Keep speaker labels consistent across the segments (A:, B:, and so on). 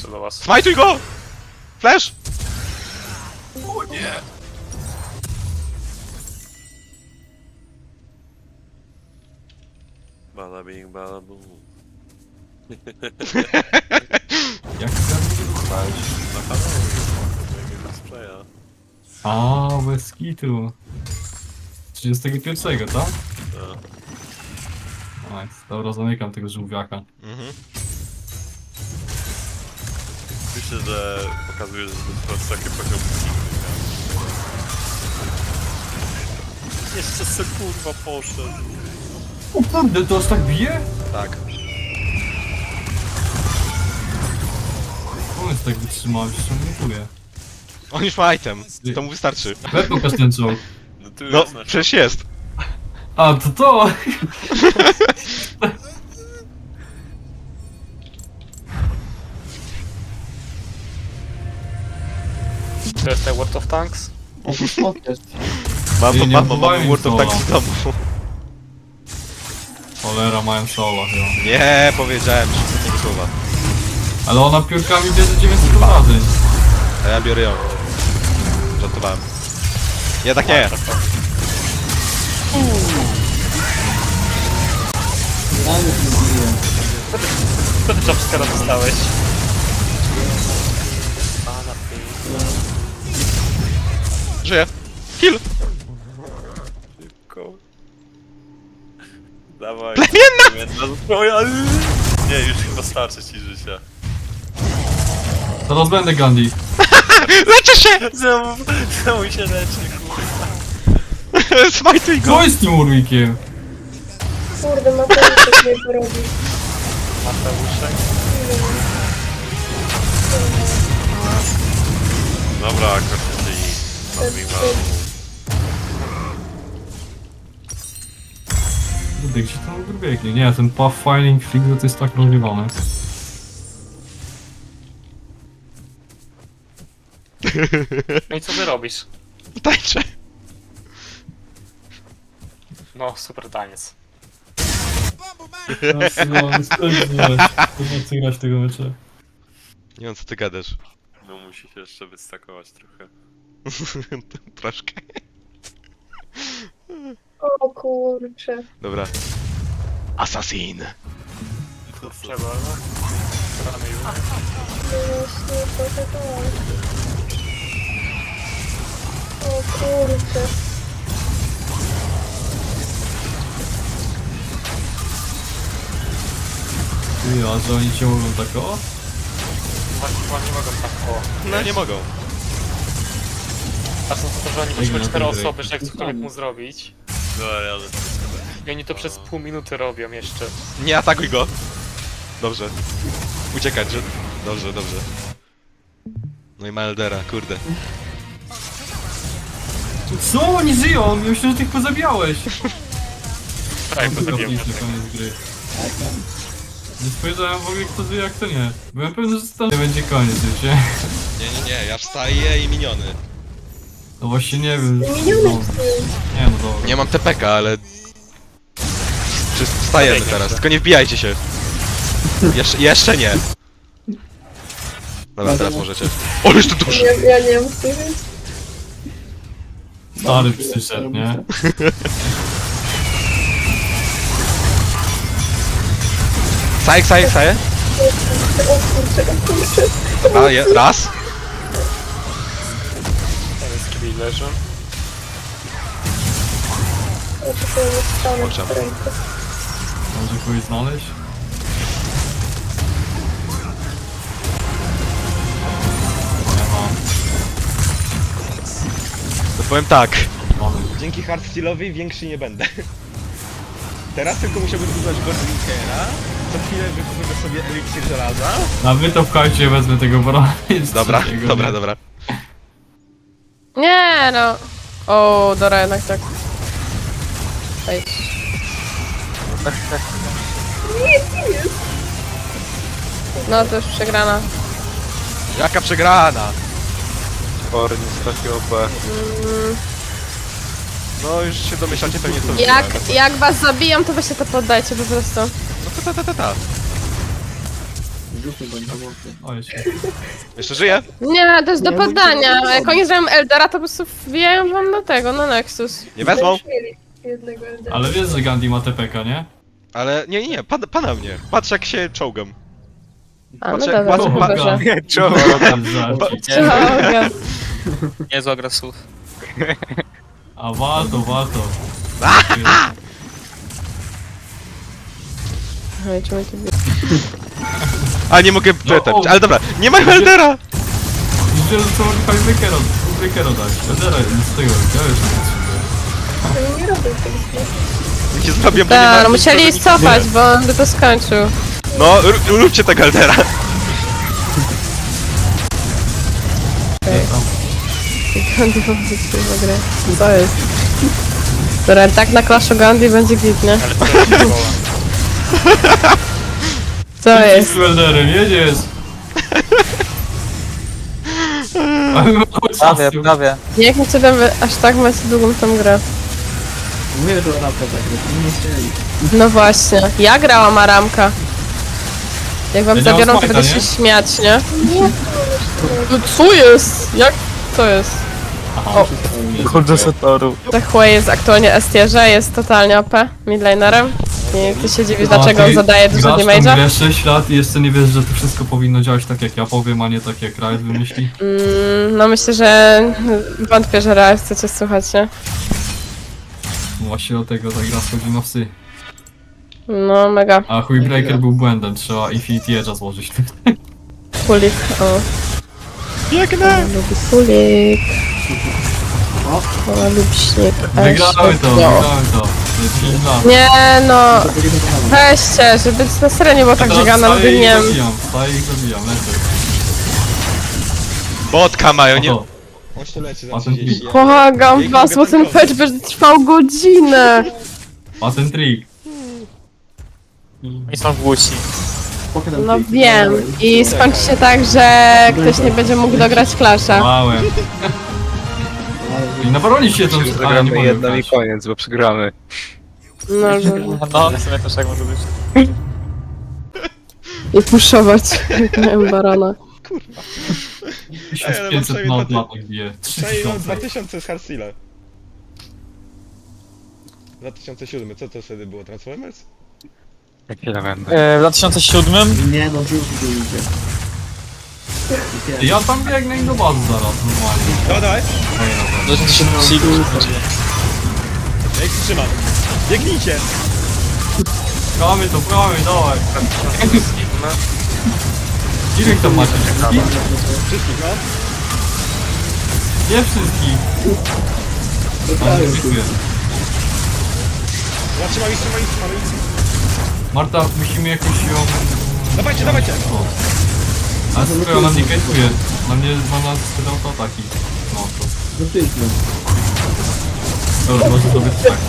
A: lecę do was.
B: Smajtuj go! Flash!
A: O nie!
C: Bada bing, bada boom.
D: Jak chcesz dostać?
C: Na kanale jakiego spraya.
D: A, bez kitu. 31, tak?
C: Tak.
D: Nice. Dobra, zamykam tego żółwiaka.
B: Mhm.
C: Myślę, że pokazuje, że to jest takie poziom. Jeszcze se kurwa poszedł.
D: O kurde, to aż tak bije?
B: Tak.
D: On jest tak wytrzymał, że mnie czuje.
B: On już ma item. To mu wystarczy.
D: Pokaż ten czołg.
C: No tu
B: No,
C: jest nasz.
B: przecież jest.
D: A, to!
A: To jest ten World of Tanks?
D: Nie, nie
B: Mam
D: odwołałem
B: World of
D: sola.
B: Tanks w domu.
D: Cholera, mają sola chyba.
B: Nie, powiedziałem tego słowa.
D: Ale ona piórkami bierze 900 obrażeń.
B: A ja biorę ją. Żartowałem. Nie, tak nie.
A: Co ty jumpscare'a dostałeś?
B: Żyję. Kill.
C: Szybko. Dawaj.
B: Plemienna!
C: Zbroja! Nie, już chyba starczy ci życia.
D: Zaraz będę Gandhi.
B: Leczę się!
C: Znowu się leczy, kurwa.
B: Smajtuj go!
D: Co jest z tym Urwikiem?
E: Kurde, Mateuszek mnie porobi.
A: Mateuszek?
C: Dobra, kończę i nazwijmy.
D: Kurde, gdzie tam Urwieki? Nie, ten Pathfinding Figure to jest tak rozrywany.
A: No i co ty robisz?
B: Tańczę.
A: No, super taniec.
D: No, spędziłeś. Nie chcę grać tego mecza.
B: Nie wiem co ty gadasz.
C: No musi się jeszcze wystakować trochę.
B: Troszkę.
E: O kurcze.
B: Dobra. Assassin.
A: Trzeba, no. Rany już.
E: Właśnie, trochę tak. O kurcze.
D: Ty, a że oni cię mogą tak o?
A: Właśnie chyba nie mogą tak, o.
B: No nie mogą.
A: A są to, że oni
D: Ej,
A: musimy
D: no
A: 4
D: to
A: osoby, że jak cokolwiek mu zrobić.
C: Dobra, ale
A: I oni to przez pół minuty robią jeszcze.
B: Nie atakuj go. Dobrze. Uciekać, że... Dobrze, dobrze. No i ma Eldera, kurde.
D: Co? Oni żyją! Ja myślę, że ty ich pozabijałeś!
A: Tak, to
D: Tylko
A: zabiłem.
D: na koniec gry. Nie spojrzałem w ogóle kto żyje, jak to nie. Byłem pewny, że tam nie będzie koniec już, nie?
B: Nie, ja wstaję i miniony.
D: No właśnie nie wiem.
E: Miniony
D: No,
E: psy.
D: nie no dobra.
B: Nie mam TPK, ale... Wstajemy teraz, tylko nie wbijajcie się. Jeszcze nie. Dobra, teraz możecie. O, już tu duży!
E: Ja nie mam psy, więc...
D: Stary przyszedł, nie?
B: Saje.
E: O kurcze.
B: Dobra, raz.
A: Ten jest kill leży.
E: O, to jest stanę
B: Kurczę.
E: w ręce.
D: Może kogoś znaleźć? Nie mam.
B: To powiem tak.
D: Mamy.
B: Dzięki hardstylowi większy nie będę. Teraz tylko musiałbym używać Godrinkera. Co chwilę wykupię sobie eliksir żelaza.
D: A wy to pchajcie, wezmę tego barona.
B: Dobra.
F: Nie no. O, dobra, jednak tak. Ej. No to już przegrana.
B: Jaka przegrana?
C: Orn jest taki OP.
B: No już się domyślacie pewnie co wygrałem.
F: Jak was zabiją, to weźcie to poddajcie po prostu.
B: No ta.
D: Oj, się.
B: Jeszcze żyje?
F: Nie, to jest do poddania. A jak oni zrobią Eldera, to po prostu wbijają wam do tego, na Nexus.
B: Nie wezmą?
E: Już mieli jednego Eldera.
D: Ale wiesz, że Gandhi ma TPK, nie?
B: Ale nie, pana mnie. Patrz jak się czołgam.
F: A, no
B: Patrzę-
F: dobra,
B: patrzę-
F: to chyba, że...
D: To jest żarcik.
F: Czołga.
A: Niezła gra słów.
D: A warto.
F: Oj, czemu to było?
B: A nie mogę
D: No,
B: ten,
D: o.
B: ale dobra, nie ma Eldera!
D: Widzę, że to mogli Wykero dać. Eldera z tego, ja już nie potrzebuję.
E: Oni nie robią tego smoka.
B: Nie zrobię, bo nie
F: Tak,
B: ma...
F: no musieli cofać, bo on by to skończył.
B: No, róbcie tego Eldera.
F: Gandhi pozycja w grę. Co jest? Dobra, tak na Clash of Gandhi będzie git, nie?
A: Ale to jest szkoła.
F: Co jest?
D: Z Elderem, jedziesz! Ale mało
G: Prawie,
D: czasu.
G: prawie.
F: Jakim cudem wy aż tak macie długą tą grę?
G: Mówię, że ramkę tak, nie chcieli.
F: No właśnie, ja grałam Aramka. Jak wam
D: Ja nie mam
F: zabiorą, to
D: smite'a,
F: będę
D: nie?
F: się śmiać, nie? No co jest? Jak? Co jest? O.
G: Chodzę z toru.
F: Ta Hue jest aktualnie S-tierze, jest totalnie OP, midlanerem. I ty się dziwisz,
D: A
F: dlaczego
D: ty
F: on zadaje dużo
D: grasz tą
F: damage'a?
D: grę 6 lat i jeszcze nie wiesz, że to wszystko powinno działać tak jak ja powiem, a nie tak jak Riot wymyśli.
F: No myślę, że wątpię, że raz chcecie słuchać, nie?
D: Właśnie do tego ta gra schodzi na psy.
F: No mega.
D: A Breaker był błędem, trzeba Infinity Edge'a złożyć.
F: Kulik, o.
B: Biegnę!
F: Lubi kulik. O, lubi śnieg.
D: Wygramy to,
F: No.
D: wygramy to. Jest 5 lat.
F: Nie no, weźcie, żeby na serio nie było tak, że Gana wygnie.
D: Staję ich zabijam, lecę.
B: Botka mają, nie...
D: Oto,
B: On się leci za
D: Patent
B: 30.
F: Błagam was, bo ten patch będzie trwał godzinę.
D: patent trick.
A: Oni są głusi.
F: No wiem. I skończy się tak, że ktoś nie będzie mógł dograć Clasha.
D: Małem. I nawalili się to, ale nie
G: Zagramy
D: mogę
G: jedną i
D: grać.
G: koniec, bo przegramy.
F: No,
A: No, w sumie też tak może być.
F: i puszować, jak miałem barana.
D: 1500 na odlatek bije.
B: Przejmą
D: 3000.
B: 2000 z Harsila. 2007, co to wtedy było? Transformers?
G: Chwilę będę.
H: W 2007
G: Nie no, żółty tu idzie.
D: Ja tam biegnę i do bazy zaraz, normalnie.
B: Dawaj, dawaj!
D: Ej, dobra.
H: 2007
B: Ja ich trzymam. Biegnijcie!
D: Pramy to, dawaj. Ile ich tam macie? Wszystkich?
B: Wszystkich, no.
D: Nie wszystkich. Ale nie dziękuję.
B: Ja trzymam ich.
D: Marta, musimy jakoś ją...
B: Dawajcie, dawajcie!
D: O. Ale słuchaj, ona mnie kajtuje. Na mnie ma nas spytał to ataki. No to. Dobra, może to być tak.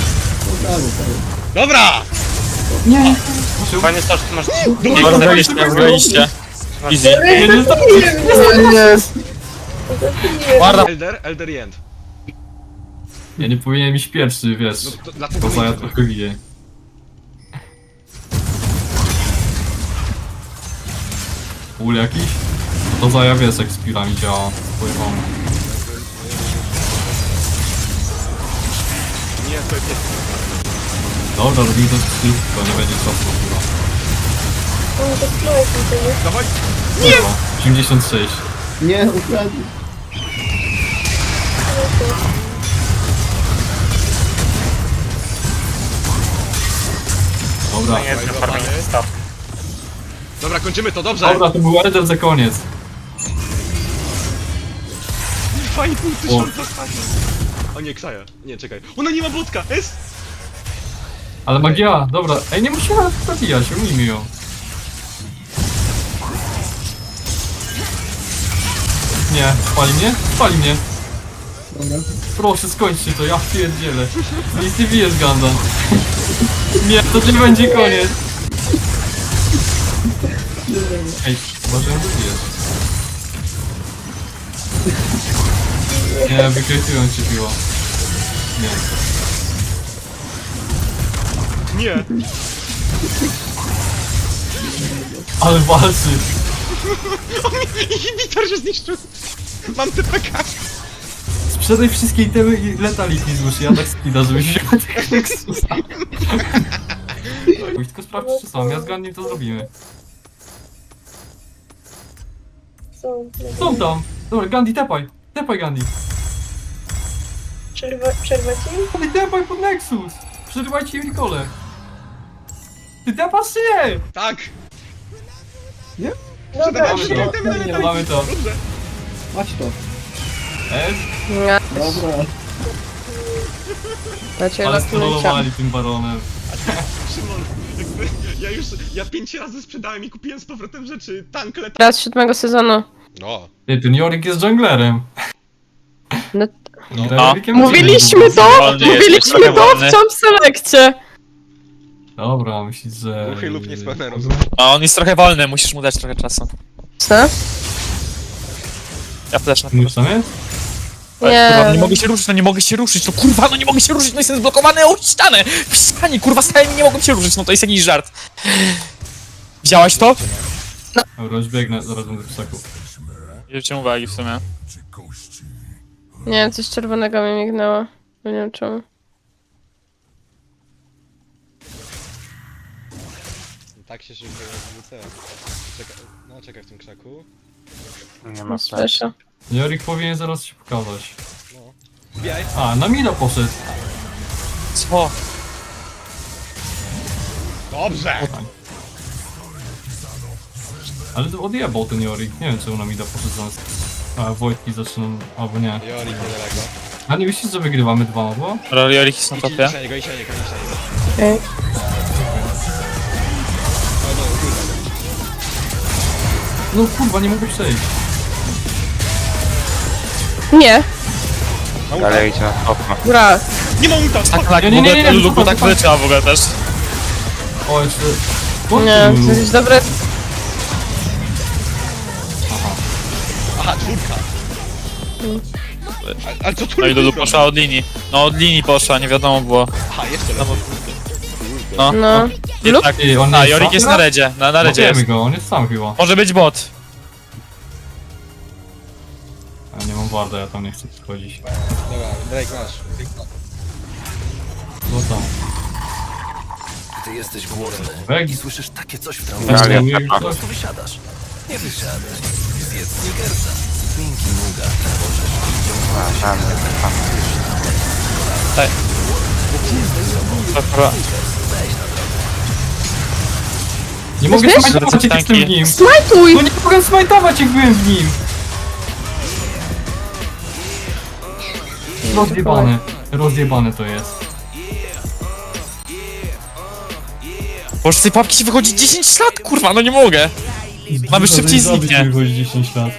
B: Dobra!
D: Muszę...
A: Panie Stasz, ty masz...
H: Bardzo wyjście, wyjście. Easy.
D: Nie, nie,
H: Warda.
B: Elder i End.
D: ja nie powinienem iść pierwszy, wiesz.
B: No, to, dlatego
D: To ja
B: nie-
D: trochę wiję. Ul jakiś? To za ja wiesz jak z pirami działa. Pływam.
B: Nie, to jest...
D: Dobra, robimy to szybko, nie będzie czasu chyba.
E: Oni to smajki, to nie?
B: Dawaj!
D: Dobra, 86.
G: Nie, ukradli.
D: Dobra.
A: To nie jest farming staw.
B: Dobra, kończymy to, dobrze!
D: Dobra, to był Elder za koniec.
B: 2,5 tysiąca stanie. O nie, Ksaja. Nie, czekaj. Ona nie ma botka! S!
D: Ale magia, dobra. Ej, nie musimy nawet zabijać, umijmy ją. Nie, spali mnie? Spali mnie. Proszę, skończcie to, ja pierdzielę. Nic nie bijesz, Gundam. Nie, to nie będzie koniec. Ej, uważaj, że bijesz. Nie, wykrytują cię piło. Nie.
B: Nie!
D: Ale walczy.
B: Inhibitor się zniszczył. Mam TPK.
D: Sprzedaj wszystkie itemy i letaliki złóż, ja tak skida, żebyś wziął tego Nexusa. Pójdź tylko sprawdź, czy są, ja z Gandhi to zrobimy.
E: Są.
D: Są tam! Dobra, Gandhi, tepaj! Tepaj, Gandhi!
E: Przerwać im?
D: Gandhi, tepaj pod Nexus! Przerywajcie im Nicole! Ty tepasz czy nie?
B: Tak.
E: Dobra,
D: Mamy to, mamy to.
G: Masz to.
F: Nie.
G: Dobra.
F: Dacie
D: Ale
F: lotnicza.
D: strollowali tym baronem.
B: Szymon, ja 5 razy sprzedałem i kupiłem z powrotem rzeczy. Tank leta.
F: Raz 7 sezonu.
B: No.
D: Ty, ten Yorick jest junglerem.
F: No,
D: Gra
H: No.
D: Yorikiem
F: mówiliśmy to!
H: Wolny jest,
F: Mówiliśmy
H: trochę
F: to
H: wolny.
F: w Champ Selekcie!
D: Dobra, myślisz, że...
B: Ruchy lub niespełne
H: A on jest trochę wolny, musisz mu dać trochę czasu.
F: Co?
H: Ja też na
D: Już tam jest?
H: Kurwa,
F: Nie.
H: nie mogę się ruszyć, no nie mogę się ruszyć, no kurwa, no nie mogę się ruszyć, no jestem zblokowany o ścianę! W ścianie, kurwa, stałem i nie mogłem się ruszyć, no to jest jakiś żart. Widziałaś to?
D: Dobra, już biegnę, zaraz będę w krzaku.
H: Nie zwróciłem uwagi w sumie.
F: Nie, coś czerwonego mi mignęło. Nie wiem czemu.
B: Tak się szybko rozwrócę. Czekaj w tym krzaku.
G: Nie ma
F: Słyszę.
D: Yorick powinien zaraz się pokazać.
B: No. Wbijaj.
D: A, na mida poszedł.
H: Co?
B: Dobrze!
D: Ale to odjebał ten Yorick. Nie wiem, czemu na mida poszedł zamiast... A, Wojtki zaczną... albo nie.
B: Jorik niedaleko.
D: A nie myślisz, że wygrywamy 2-2?
H: Roliorik jest na
B: Idź
H: topie.
B: na niego, idź na niego, idź na niego.
F: Okej.
B: O, no, kurwa.
D: No kurwa, nie mogę przejść.
F: Nie,
G: Dalej idź na topa.
F: gra.
B: Nie ma ulta!
H: Tak,
D: Nie, nie, nie, nie,
H: Lulu tak
D: zupa.
H: wyleciała w ogóle też.
D: O, jeszcze...
F: Nie, to jest dobre.
B: Aha, czwórka. Ale co tu
H: No i Lulu poszła od linii. No od linii poszła, nie wiadomo było.
B: Aha, jeszcze lepiej.
H: No.
F: No.
H: Nie,
F: Lub?
H: tak.
D: Ty, on
H: A,
D: jest
H: Jorik
D: sam
H: jest
D: teraz?
H: na redzie, na redzie
D: Wiemy
H: jest.
D: go, on jest sam chyba.
H: Może być bot.
D: A nie mam warda, ja tam nie chcę wchodzić.
B: Dobra, Drake masz.
D: No tam.
I: Ty jesteś głodny
D: Weg,
I: i słyszysz takie coś w trawie.
G: Dalej
D: nie
G: tepa.
I: Po prostu wysiadasz. Nie wysiadasz. Zjedz Snickersa. Pinki Nuga.
G: A, tam tepa.
H: Dobra.
D: nie mogę
F: Wiesz?
D: smajtować jak jestem w nim.
F: Smajtuj!
D: No nie mogę smajtować jak byłem w nim. Rozjebane. Rozjebane to jest.
H: Bo z tej papki się wychodzi 10 lat, kurwa, no nie mogę. Mamy szybciej zniknie.
D: Wychodzi 10 lat.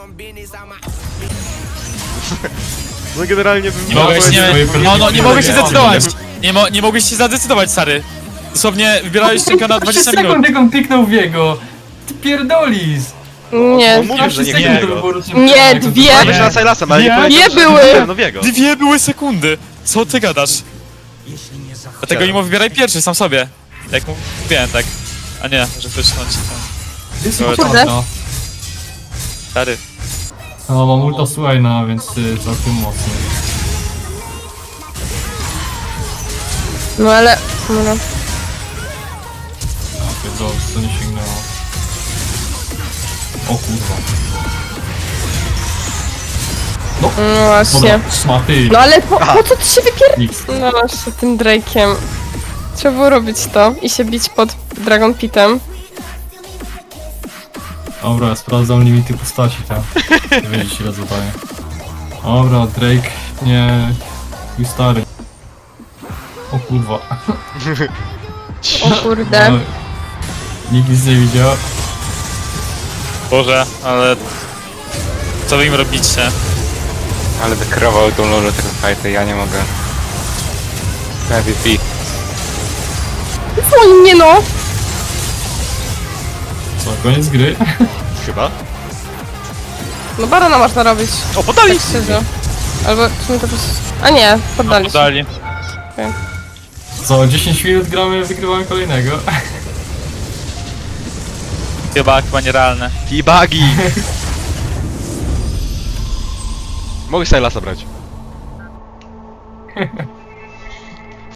B: No generalnie bym...
H: Nie mogłeś, nie, no nie mogłeś się
D: Nie,
H: zdecydować. Nie mogłeś się zadecydować, stary. Dosłownie wybierałeś czynka na 20 minut.
D: sekund jak on kliknął w jego. Ty pierdolisz.
F: Nie,
B: Mówię, że nie
D: 30
B: jego.
D: sekund to było rocznie
F: Nie,
D: jak on
F: dwie.
D: to-
B: Weź na Silasem, ale nie
H: Nie,
B: powiedział,
F: nie
B: że
F: były.
B: wybrałem Nowiego.
H: Dwie były sekundy. Co ty gadasz? Dlatego nie mu wybieraj pierwszy, sam sobie. Jak mu wiem, tak. A nie, że wyszcząć.
D: Jest
H: Kurde.
D: naprawdę.
H: Stary.
D: No mam ulta Swaina, więc całkiem mocny.
F: No ale... No.
D: A pierdolę, to nie sięgnęło. O kurwa.
F: No właśnie.
D: Dobra, szmaty.
F: No ale po co ty się wypier...
D: Niks.
F: No właśnie, tym Drake'iem. Trzeba było robić to i się bić pod Dragon Pitem.
D: Dobra, ja sprawdzam limity postaci tam. Wiedzieć ile zadaję. Dobra, Drake, nie... Mój stary. O kurwa.
F: O kurde.
D: No, nikt nic nie widział.
H: Boże, ale... Co wy im robicie?
G: Ale wykrował tą lolę tego fighta, ja nie mogę. MVP.
F: O nie no!
D: Co, koniec gry?
B: Chyba.
F: No barona można robić,
B: O, podali!
F: tak szczerze. Albo w sumie to po prostu... A nie, poddali się.
H: Podali.
D: Co, 10 minut gramy, wygrywamy kolejnego.
A: Chyba nierealne.
B: T-bagi! Mogę Sylasa brać.